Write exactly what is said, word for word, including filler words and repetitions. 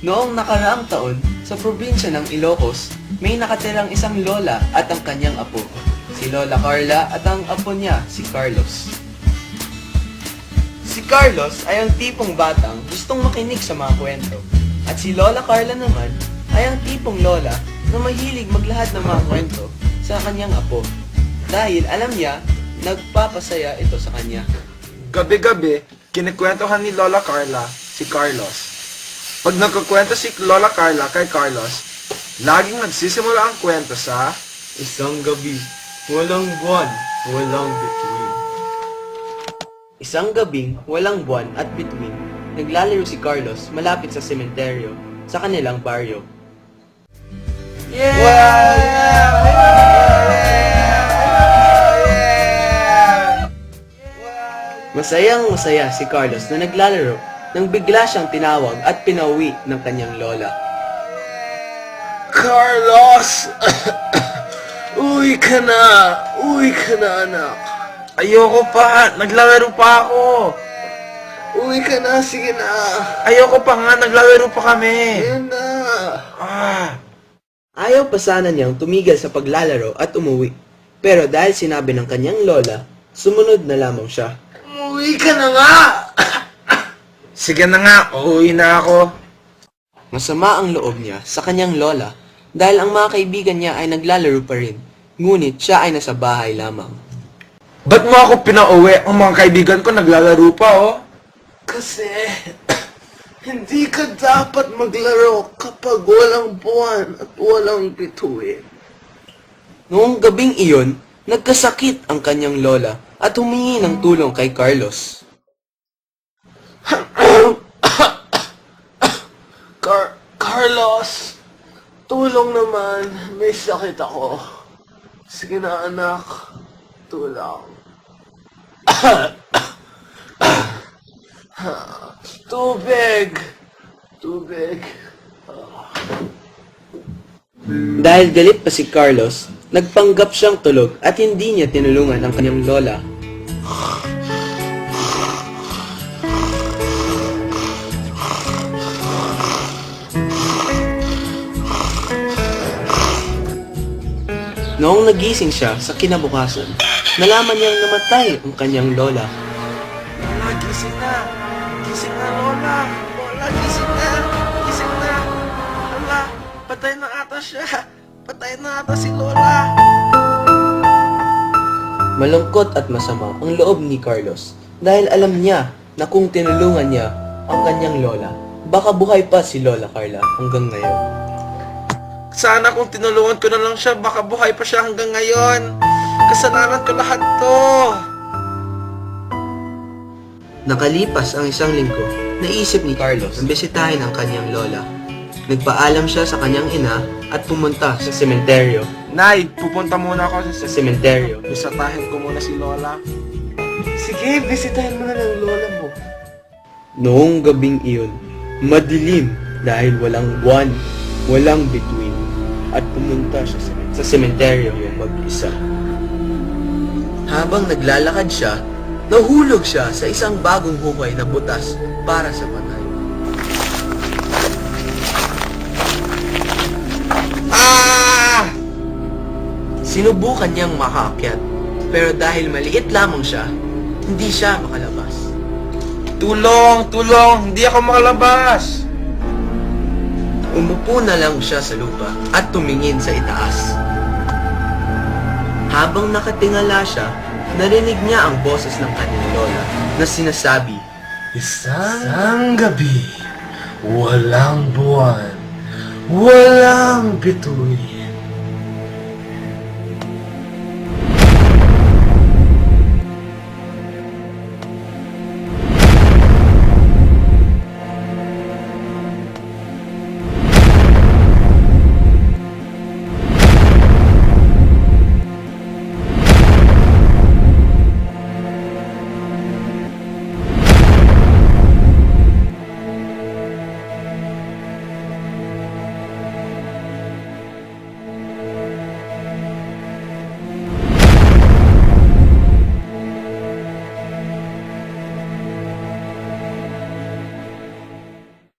Noong nakaraang taon, sa probinsya ng Ilocos, may nakatirang isang lola at ang kanyang apo, si Lola Carla at ang apo niya, si Carlos. Si Carlos ay ang tipong batang gustong makinig sa mga kwento, at si Lola Carla naman ay ang tipong lola na mahilig maglahad ng mga kwento sa kanyang apo, dahil alam niya, nagpapasaya ito sa kanya. Gabi-gabi, kinikwentuhan ni Lola Carla si Carlos. Pag nagkukwento si Lola Carla kay Carlos, laging nagsisimula ang kwento sa Isang gabi, walang buwan, walang bituin. Isang gabing walang buwan at bituin, naglalaro si Carlos malapit sa sementeryo sa kanilang baryo. Masayang masaya si Carlos na naglalaro nang bigla siyang tinawag at pinauwi ng kanyang lola. Carlos! Uwi ka na! Uwi ka na, anak! Ayoko pa! Naglalaro pa ako! Uwi ka na! Sige na! Ayoko pa nga! Naglalaro pa kami! Yan na! Ah! Ayaw pa sana niyang tumigil sa paglalaro at umuwi. Pero dahil sinabi ng kanyang lola, sumunod na lamang siya. Uwi ka na nga! Sige na nga! Uuwi na ako! Masama ang loob niya sa kanyang lola dahil ang mga kaibigan niya ay naglalaro pa rin, ngunit siya ay nasa bahay lamang. Ba't mo ako pinauwi? Ang mga kaibigan ko naglalaro pa, oh! Kasi, hindi ka dapat maglaro kapag walang buwan at walang bituin. Noong gabing iyon, nagkasakit ang kanyang lola at humingi ng tulong kay Carlos. Car Carlos, tulong naman. May sakit ako. Sige na, anak. Tulong. Tubig! Tubig. Dahil galit pa si Carlos, nagpanggap siyang tulog at hindi niya tinulungan ang kanyang lola. Noong nagising siya sa kinabukasan, nalaman niyang namatay ang kanyang lola. Lola, gising na! Gising na, Lola! Lola, gising na! Gising na! Lola, patay na ata siya! Patay na ata si Lola! Malungkot at masama ang loob ni Carlos dahil alam niya na kung tinulungan niya ang kanyang lola, baka buhay pa si Lola Carla hanggang ngayon. Sana kung tinulungan ko na lang siya, baka buhay pa siya hanggang ngayon. Kasalanan ko lahat to. Nakalipas ang isang linggo, naisip ni Carlos na bisitahin ang kanyang lola. Nagpaalam siya sa kanyang ina at pumunta sa sementeryo. Nay, pupunta muna ako Sa sa sementeryo. Bisitahin ko muna si Lola. Sige, bisitahin mo na ng lola mo. Noong gabing iyon, madilim dahil walang buwan, walang bituin, at pumunta siya sa, sa sementeryo mag-isa. Habang naglalakad siya, nahulog siya sa isang bagong hukay na butas para sa patay. Ah! Sinubukan niyang makaakyat, pero dahil maliit lamang siya, hindi siya makalabas. Tulong! Tulong! Hindi ako makalabas! Umupo na lang siya sa lupa at tumingin sa itaas. Habang nakatingala siya, narinig niya ang boses ng kanyang lola na sinasabi, Isang gabi, walang buwan, walang bituin.